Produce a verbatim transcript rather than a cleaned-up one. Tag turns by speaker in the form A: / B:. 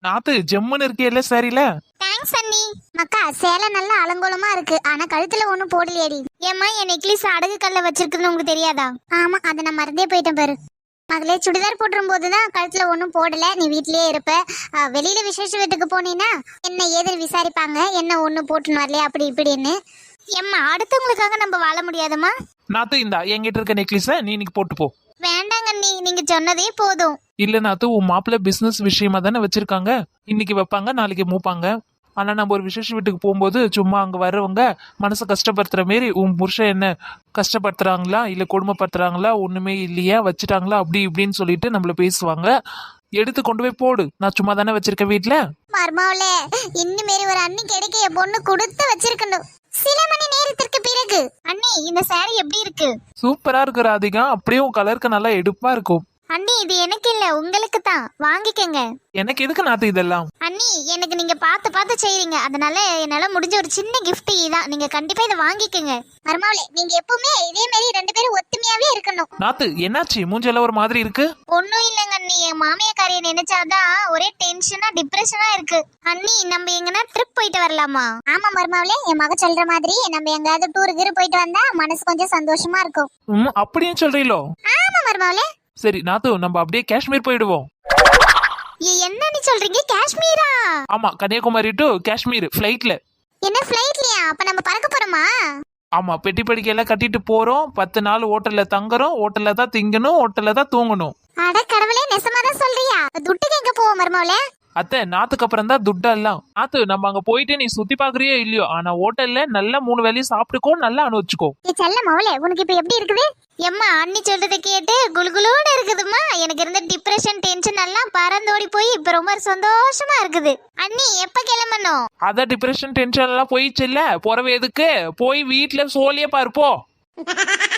A: நாத்து ஜம்முன்னு இருக்கே சாரில.
B: தேங்க்ஸ் அண்ணி. மக்கா சேலை நல்லா அலங்கோலமா இருக்கு, ஆனா கழுத்துல ஒண்ணும் போடலையேடி. ஏமா என் நெக்லஸ் அடகு கல்ல வச்சிருக்குதுன்னு உங்களுக்கு தெரியாதா? ஆமா, அதை நான் மறந்தே போயிட்டேன் பாரு. மகளே, சுடிதார் போட்டுரும் போதுதான் கழுத்துல ஒண்ணும் போடல, நீ வீட்லயே இருப்ப. அஹ், வெளியில விசேஷ வீட்டுக்கு போனீன்னா என்ன ஏதுன்னு விசாரிப்பாங்க, என்ன ஒண்ணு போட்டுன்னு வரலையா அப்படி இப்படின்னு. ஏம்மா அடுத்தவங்களுக்காக நம்ம வாழ முடியாதம்மா.
A: நாத்து இந்தா என்கிட்ட இருக்க நெக்லஸ நீ இன்னைக்கு போட்டு போ.
B: வேண்டாங்க அண்ணி, நீங்க சொன்னதே போதும்.
A: இல்ல நாத்து, உன் மாப்பிள்ள பிசினஸ் விஷயமா தானே வச்சிருக்காங்க. இன்னைக்கு வைப்பாங்க, நாளைக்கு மூப்பாங்க. ஆனா நம்ம ஒரு விசேஷ வீட்டுக்கு போகும்போது சும்மா அங்க வர்றவங்க மனசை கஷ்டப்படுத்துற மாரி உன் புருஷன் என்ன கஷ்டப்படுத்துறாங்களா இல்ல கொடுமைப்படுத்துறாங்களா ஒண்ணுமே இல்லையா வச்சுட்டாங்களா அப்படி இப்படின்னு சொல்லிட்டு நம்மள பேசுவாங்க. எடுத்து கொண்டு போய் போடு, நான் சும்மா தானே வச்சிருக்கேன் வீட்டுல.
B: மர்மாவளே, இன்னும் மாரி ஒரு அண்ணி கிடைக்க என் பொண்ணு கொடுத்து வச்சிருக்கணும். சில மணி நேரத்திற்கு பிறகு அண்ணி இந்த சாரி எப்படி இருக்கு?
A: சூப்பரா இருக்கு ராதிகா, அப்படியே உன் கலருக்கு நல்லா எடுப்பா இருக்கும்.
B: அண்ணி இது எனக்கு இல்ல, உங்களுக்கு தான், வாங்கிக்கங்க.
A: எனக்கு எதுக்கு நாத்து இதெல்லாம்?
B: அண்ணி எனக்கு நீங்க பார்த்து பார்த்து செய்றீங்க, அதனால என்னால முடிஞ்ச ஒரு சின்ன கிஃப்ட் இதான், நீங்க கண்டிப்பா இதை வாங்கிக்கங்க. மர்மாவளே, நீங்க எப்பவுமே இதே மாதிரி ரெண்டு பேரும் ஒத்துமையாவே இருக்கணும்.
A: நாத்து என்னாச்சு, மூஞ்செல்லாம் ஒரு மாதிரி இருக்கு?
B: ஒன்னும் இல்லங்க அண்ணி, என் மாமியாக்காரிய நினைச்சாதான் ஒரே டென்ஷனா டிப்ரெஷனா இருக்கு. அண்ணி நம்ம எங்கன்னா ட்ரிப் போயிட்டு வரலாமா? ஆமா மர்மாவளே, என் மக சொல்ற மாதிரி நம்ம எங்காவது டூருக்கு போயிட்டு வந்தா மனசு கொஞ்சம் சந்தோஷமா இருக்கும்.
A: ம், அப்படியும் சொல்றீங்களோ?
B: ஆமா மர்மாவளே.
A: சரி நாத்து, நம்ம அப்படியே காஷ்மீர் போயிடுவோம்.
B: என்ன நீ சொல்றீங்க, காஷ்மீரா?
A: ஆமா, கன்னியாகுமரி டு காஷ்மீர் ஃபிளைட்ல.
B: என்ன ஃபிளைட்லயா? அப்ப நம்ம பறக்க போறோமா?
A: ஆமா, பெட்டி படிக்கையெல்லாம் கட்டிட்டு போறோம். பத்து நாள் ஹோட்டல்ல தங்குறோம், ஹோட்டல்ல தான் திங்கணும், ஹோட்டல்ல தான் தூங்கணும்.
B: அட கடவுளே, நெசமாதான் சொல்றியா? துட்டுக்கு எங்க போவோம் மர்மாவளே?
A: அத்தை, நாத்துக்கு அப்புறம் தான் துட்டெல்லாம். நாத்து, நம்ம அங்க போயிட்டு நீ சுத்தி பாக்குறியோ இல்லையோ, ஆனா ஹோட்டல்ல நல்லா மூணு வேலையும் சாப்பிட்டுக்கோ, நல்லா அனுவச்சுக்கோ.
B: செல்ல மவளே, உனக்கு இப்ப எப்படி இருக்குது? எம்மா அண்ணி சொல்றதை கேட்டு குளுகுளுன்னு இருக்குதுமா. எனக்கு இருந்த டிப்ரெஷன் டென்ஷன் எல்லாம் பறந்தோடி போய் இப்ப ரொம்ப சந்தோஷமா இருக்குது. அண்ணி எப்ப கிளம்பணும்?
A: அதான் டிப்ரெஷன் டென்ஷன் எல்லாம் போயிடுச்சு இல்ல, போறவே எதுக்கு? போய் வீட்டுல சோழியே பாருப்போ.